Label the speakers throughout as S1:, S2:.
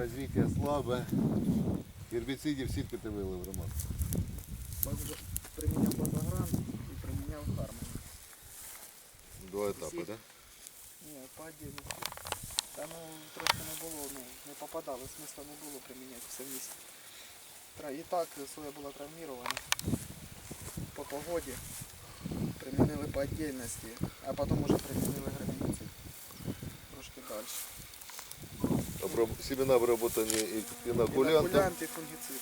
S1: Развитие слабое. Гербицидів сітку ти вилив, Роман.
S2: Приміняв базагран і приміняв Хармон.
S1: Два етапи, так? Да?
S2: Ні, по отдельности. Та ну трошки не було, не попадало, смисла не було приміняти все вместе. І так соя була травмирована по погоді. Примінили по отдельности, а потім уже примінили гербицид. Трошки далі.
S1: Семена обработані інокулянтом.
S2: Інокулянт і фунгіцид.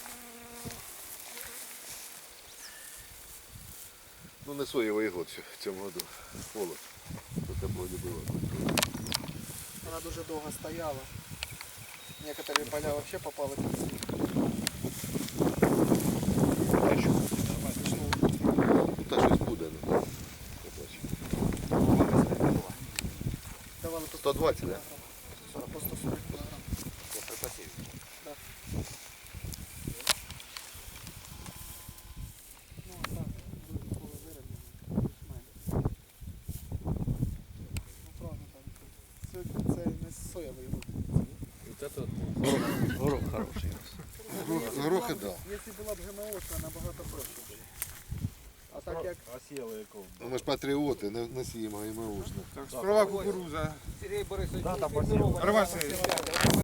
S1: Ну не соєвий год в цьому году. Холод. Тут тепло не було.
S2: Вона дуже довго стояла. Некоторые поля вообще попали під снег.
S1: Та щось буде.
S2: Давали по
S1: 120,
S2: кг. По 140 кг. Да. Ну а так, дуже поле вироблено. Більш-менш. Ну правда там. Сьогодні це не соєвий год.
S3: Вот это горох хороший.
S1: Горохи, так.
S2: Якщо була б ГМО, то набагато проще було. А так як
S3: А сіяли якого?
S1: Ну, ми ж патріоти, не сіємо ГМОшно.
S4: Так, справа кукуруза.
S3: Сергій Борисович,
S4: Роман Сергійович.